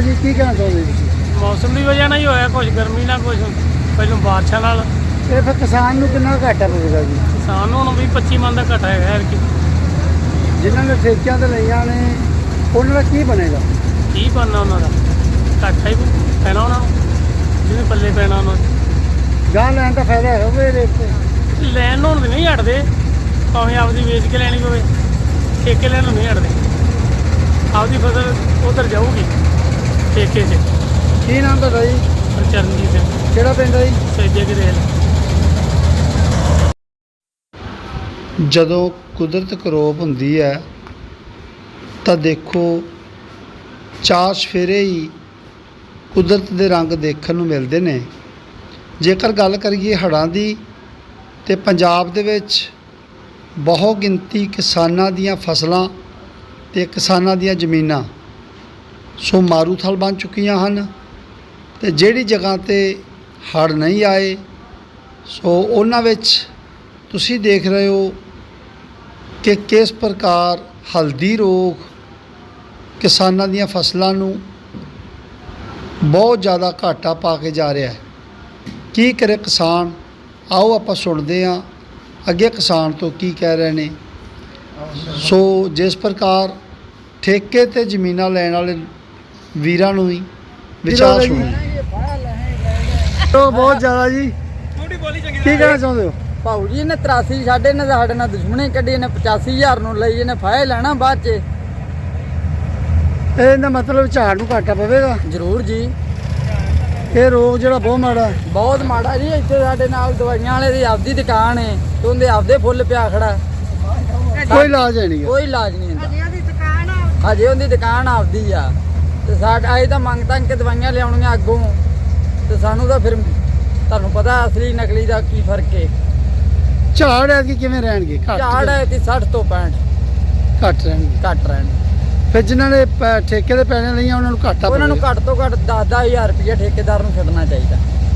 जी की कहना चाहोगे तुसीं? मौसम की वजह ਨਾਲ ਹੀ ਹੋਇਆ ਕੁਝ ਗਰਮੀ ਨਾਲ ਕੁਝ ਪਹਿਲਾਂ ਬਾਰਿਸ਼ਾਂ ਨਾਲ ਇਹ ਫਿਰ ਕਿਸਾਨ ਨੂੰ ਕਿੰਨਾ ਘਾਟਾ ਪਵੇਗਾ ਜੀ? ਕਿਸਾਨ ਨੂੰ ਹੁਣ 20-25 ਮਣ ਦਾ ਘਟਾ ਹੈਗਾ ਯਾਰ ਕਿ ਜਿਨ੍ਹਾਂ ਨੇ ਠੇਕਿਆਂ ਤੇ ਲਈਆਂ ਨੇ ਉਹਨਾਂ ਦਾ ਕੀ ਬਣੇਗਾ? ਕੀ ਬਣਨਾ ਉਹਨਾਂ ਦਾ ਘਾਟਾ ਹੀ ਪੈਣਾ ਉਹਨਾਂ ਨੂੰ ਜਿਵੇਂ ਪੱਲੇ ਪੈਣਾ ਉਹਨਾਂ ਨੂੰ। ਗਾਂ ਲੈਣ ਦਾ ਫਾਇਦਾ ਹੈ ਹੋਵੇ ਰੇਟ ਤੇ ਲੈਣ ਨੂੰ ਹੁਣ ਨਹੀਂ ਹਟਦੇ ਭਾਵੇਂ ਆਪਦੀ ਵੇਚ ਕੇ ਲੈਣੀ ਪਵੇ ਠੇਕੇ ਲੈਣ ਨੂੰ ਨਹੀਂ ਹਟਦੇ ਆਪਦੀ ਫਸਲ ਉਧਰ ਜਾਊਗੀ ਠੇਕੇ 'ਚ। ਕੀ ਨਾਮ ਤੁਹਾਡਾ ਜੀ? ਚਰਨਜੀਤ ਸਿੰਘ ਕਿਹੜਾ ਪਿੰਡ ਹੈ ਜੀ? ਸੇਜੇ ਕੀ ਰੇਲ। ਜਦੋਂ ਕੁਦਰਤ ਕਰੋਪ ਹੁੰਦੀ ਹੈ ਤਾਂ ਦੇਖੋ ਚਾਰ ਸਫੇਰੇ ਹੀ ਕੁਦਰਤ ਦੇ ਰੰਗ ਦੇਖਣ ਨੂੰ ਮਿਲਦੇ ਨੇ। ਜੇਕਰ ਗੱਲ ਕਰੀਏ ਹੜ੍ਹਾਂ ਦੀ ਤੇ ਪੰਜਾਬ ਦੇ ਵਿੱਚ ਬਹੁਤ ਗਿਣਤੀ ਕਿਸਾਨਾਂ ਦੀਆਂ ਫਸਲਾਂ ਤੇ ਕਿਸਾਨਾਂ ਦੀਆਂ ਜ਼ਮੀਨਾਂ ਸੋ ਮਾਰੂਥਲ ਬਣ ਚੁੱਕੀਆਂ ਹਨ ਤੇ ਜਿਹੜੀ ਜਗ੍ਹਾ ਤੇ ਹੜ੍ਹ ਨਹੀਂ ਆਏ ਸੋ ਉਹਨਾਂ ਵਿੱਚ ਤੁਸੀਂ ਦੇਖ ਰਹੇ ਹੋ ਕਿ ਕਿਸ ਪ੍ਰਕਾਰ ਹਲਦੀ ਰੋਗ ਕਿਸਾਨਾਂ ਦੀਆਂ ਫਸਲਾਂ ਨੂੰ ਬਹੁਤ ਜ਼ਿਆਦਾ ਘਾਟਾ ਪਾ ਕੇ ਜਾ ਰਿਹਾ ਹੈ। ਕੀ ਕਰੇ ਕਿਸਾਨ? ਆਓ ਆਪਾਂ ਸੁਣਦੇ ਹਾਂ ਅੱਗੇ ਕਿਸਾਨ ਤੋਂ ਕੀ ਕਹਿ ਰਹੇ ਨੇ। ਸੋ ਜਿਸ ਪ੍ਰਕਾਰ ਠੇਕੇ ਤੇ ਜ਼ਮੀਨਾਂ ਲੈਣ ਵਾਲੇ ਵੀਰਾਂ ਨੂੰ ਹੀ ਵਿਚਾਰ ਸੁਣੋ। ਬਹੁਤ ਜ਼ਿਆਦਾ ਜੀ ਕੀ ਕਹਿਣਾ ਚਾਹੁੰਦੇ ਹੋ? ਭਾਊ ਜੀ ਨੇ 83 ਸਾਡੇ ਨਾਲ ਦੁਸ਼ਮਣੀ ਕੱਢੀ, ਇਹਨੇ 85,000 ਨੂੰ ਲਈ, ਇਹਨੇ ਫਾਇਲ ਲੈਣਾ ਬਾਅਦ 'ਚ। ਇਹਦਾ ਮਤਲਬ ਝਾੜ ਨੂੰ ਘਾਟਾ ਪਵੇਗਾ ਜ਼ਰੂਰ ਜੀ। ਇਹ ਰੋਗ ਜਿਹੜਾ ਬਹੁਤ ਮਾੜਾ ਬਹੁਤ ਮਾੜਾ ਜੀ। ਇੱਥੇ ਸਾਡੇ ਨਾਲ ਦਵਾਈਆਂ ਵਾਲੇ ਦੀ ਆਪਦੀ ਦੁਕਾਨ ਹੈ ਤੇ ਉਹਦੇ ਆਪਦੇ ਫੁੱਲ ਪਿਆ ਖੜਾ, ਕੋਈ ਇਲਾਜ ਹੈ ਨਹੀਂ। ਕੋਈ ਇਲਾਜ ਨਹੀਂ ਹੁੰਦਾ। ਹਜੇ ਉਹਦੀ ਦੁਕਾਨ ਆਪਦੀ ਆ ਤੇ ਸਾਡਾ ਇਹ ਤਾਂ ਮੰਗ ਤੰਗ ਕੇ ਦਵਾਈਆਂ ਲਿਆਉਣੀਆਂ ਅੱਗੋਂ ਤੇ ਸਾਨੂੰ ਤਾਂ ਫਿਰ ਤੁਹਾਨੂੰ ਪਤਾ ਅਸਲੀ ਨਕਲੀ ਦਾ ਕੀ ਫਰਕ ਹੈ। ਝਾੜ ਐਤਕੀ ਕਿਵੇਂ ਰਹਿਣਗੇ? ਝਾੜ ਹੈ ਤੇ 60 ਤੋਂ 65 ਘੱਟ ਰਹਿਣਗੇ। ਘੱਟ ਰਹਿਣ। ਫਿਰ ਜਿਨ੍ਹਾਂ ਨੇ ਠੇਕੇ ਦੇ ਪੈਣੇ ਲਈਆਂ ਉਹਨਾਂ ਨੂੰ ਘਾਟਾ ਉਹਨਾਂ ਨੂੰ ਘੱਟ ਤੋਂ ਘੱਟ 10,000 ਰੁਪਏ ਠੇਕੇਦਾਰ ਨੂੰ ਛੱਡਣਾ ਚਾਹੀਦਾ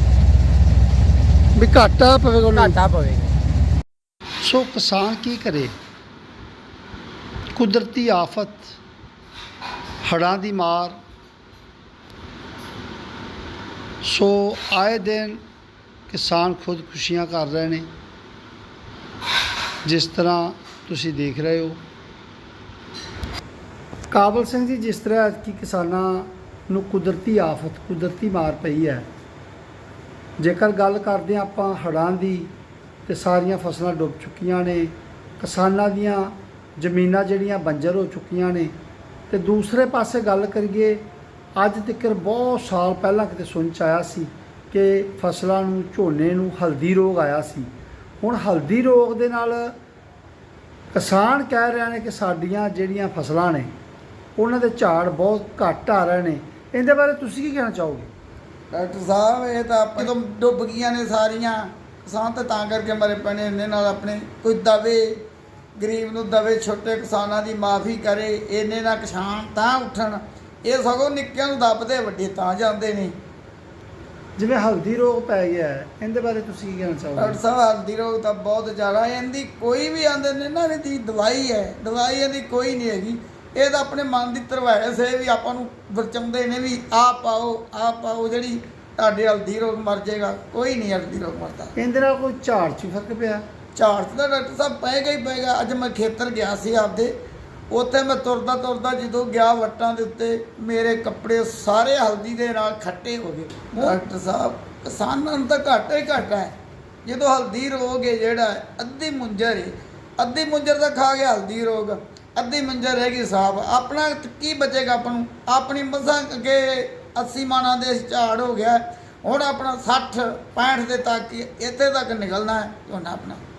ਵੀ ਘਾਟਾ ਪਵੇਗਾ ਉਹਨਾਂ ਨੂੰ। ਘਾਟਾ ਪਵੇਗਾ। ਸੋ ਕਿਸਾਨ ਕੀ ਕਰੇ? ਕੁਦਰਤੀ ਆਫਤ ਹੜ੍ਹਾਂ ਦੀ ਮਾਰ ਸੋ ਆਏ ਦਿਨ ਕਿਸਾਨ ਖੁਦਕੁਸ਼ੀਆਂ ਕਰ ਰਹੇ ਨੇ। ਜਿਸ ਤਰ੍ਹਾਂ ਤੁਸੀਂ ਦੇਖ ਰਹੇ ਹੋ ਕਾਬਲ ਸਿੰਘ ਜੀ, ਜਿਸ ਤਰ੍ਹਾਂ ਕਿ ਕਿਸਾਨਾਂ ਨੂੰ ਕੁਦਰਤੀ ਆਫਤ ਕੁਦਰਤੀ ਮਾਰ ਪਈ ਹੈ। ਜੇਕਰ ਗੱਲ ਕਰਦੇ ਹਾਂ ਆਪਾਂ ਹੜ੍ਹਾਂ ਦੀ ਤੇ ਸਾਰੀਆਂ ਫਸਲਾਂ ਡੁੱਬ ਚੁੱਕੀਆਂ ਨੇ, ਕਿਸਾਨਾਂ ਦੀਆਂ ਜ਼ਮੀਨਾਂ ਜਿਹੜੀਆਂ ਬੰਜਰ ਹੋ ਚੁੱਕੀਆਂ ਨੇ। ਤੇ ਦੂਸਰੇ ਪਾਸੇ ਗੱਲ ਕਰੀਏ ਅੱਜ ਤੱਕ ਬਹੁਤ ਸਾਲ ਪਹਿਲਾਂ ਕਿਤੇ ਸੁਣ 'ਚ ਆਇਆ ਸੀ ਕਿ ਫਸਲਾਂ ਨੂੰ ਝੋਨੇ ਨੂੰ ਹਲਦੀ ਰੋਗ ਆਇਆ ਸੀ। ਹੁਣ ਹਲਦੀ ਰੋਗ ਦੇ ਨਾਲ ਕਿਸਾਨ ਕਹਿ ਰਹੇ ਨੇ ਕਿ ਸਾਡੀਆਂ ਜਿਹੜੀਆਂ ਫਸਲਾਂ ਨੇ ਉਹਨਾਂ ਦੇ ਝਾੜ ਬਹੁਤ ਘੱਟ ਆ ਰਹੇ ਨੇ। ਇਹਦੇ ਬਾਰੇ ਤੁਸੀਂ ਕੀ ਕਹਿਣਾ ਚਾਹੋਗੇ? ਡਾਕਟਰ ਸਾਹਿਬ ਇਹ ਤਾਂ ਜਦੋਂ ਡੁੱਬ ਗਈਆਂ ਨੇ ਸਾਰੀਆਂ, ਕਿਸਾਨ ਤਾਂ ਕਰਕੇ ਮਰੇ ਪਏ ਨੇ। ਇਹਨੇ ਨਾਲ ਆਪਣੇ ਕੋਈ ਦਵੇ ਗਰੀਬ ਨੂੰ ਦਵੇ, ਛੋਟੇ ਕਿਸਾਨਾਂ ਦੀ ਮਾਫੀ ਕਰੇ, ਇਹਨੇ ਨਾਲ ਕਿਸਾਨ ਤਾਂ ਉੱਠਣ। ਇਹ ਸਗੋਂ ਨਿੱਕਿਆਂ ਨੂੰ ਦੱਬਦੇ, ਵੱਡੇ ਤਾਂ ਜਾਂਦੇ ਨੇ। ਜਿਵੇਂ ਹਲਦੀ ਰੋਗ ਪੈ ਗਿਆ ਹੈ, ਇਹਦੇ ਬਾਰੇ ਤੁਸੀਂ ਕੀ ਕਹਿਣਾ ਚਾਹੋਗੇ? ਡਾਕਟਰ ਸਾਹਿਬ ਹਲਦੀ ਰੋਗ ਤਾਂ ਬਹੁਤ ਜ਼ਿਆਦਾ, ਇਹਦੀ ਕੋਈ ਵੀ ਆਂਦੇ ਨੇ ਨਾ ਇਹਦੀ ਦਵਾਈ ਹੈ, ਦਵਾਈ ਇਹਦੀ ਕੋਈ ਨਹੀਂ ਹੈਗੀ। ਇਹ ਤਾਂ ਆਪਣੇ ਮਨ ਦੀ ਧਰਵਾਇਸ ਹੈ ਵੀ ਆਪਾਂ ਨੂੰ ਵਰਚਾਉਂਦੇ ਨੇ ਵੀ ਆਹ ਪਾਓ ਜਿਹੜੀ ਤੁਹਾਡੇ ਹਲਦੀ ਰੋਗ ਮਰ ਜਾਏਗਾ। ਕੋਈ ਨਹੀਂ ਹਲਦੀ ਰੋਗ ਮਰਦਾ। ਇਹਦੇ ਨਾਲ ਕੋਈ ਝਾੜ 'ਚ ਫਰਕ ਪਿਆ? ਝਾੜ 'ਚ ਤਾਂ ਡਾਕਟਰ ਸਾਹਿਬ ਪਏਗਾ ਹੀ ਪਏਗਾ। ਅੱਜ ਮੈਂ ਖੇਤਰ ਗਿਆ ਸੀ ਆਪਦੇ, ਉੱਥੇ ਮੈਂ ਤੁਰਦਾ ਜਦੋਂ ਗਿਆ ਵੱਟਾਂ ਦੇ ਉੱਤੇ ਮੇਰੇ ਕੱਪੜੇ ਸਾਰੇ ਹਲਦੀ ਦੇ ਨਾਲ ਖੱਟੇ ਹੋ ਗਏ। ਡਾਕਟਰ ਸਾਹਿਬ ਕਿਸਾਨਾਂ ਨੂੰ ਤਾਂ ਘਾਟਾ ਹੀ ਘਾਟਾ ਹੈ। ਜਦੋਂ ਹਲਦੀ ਰੋਗ ਹੈ ਜਿਹੜਾ ਅੱਧੀ ਮੁੰਜਰ ਹੈ, ਅੱਧੀ ਮੁੰਜਰ ਤਾਂ ਖਾ ਗਿਆ ਹਲਦੀ ਰੋਗ, ਅੱਧੀ ਮੁੰਜਰ ਰਹੇਗੀ ਸਾਫ। ਆਪਣਾ ਕੀ ਬਚੇਗਾ ਆਪਾਂ ਨੂੰ? ਆਪਣੀ ਮਸਾਂ ਅੱਗੇ 80 ਮਾਣਾਂ ਦੇ ਝਾੜ ਹੋ ਗਿਆ, ਹੁਣ ਆਪਣਾ 60 65 ਦੇ ਤੱਕ ਇੱਥੇ ਤੱਕ ਨਿਕਲਣਾ ਹੈ ਝੋਨਾ ਆਪਣਾ।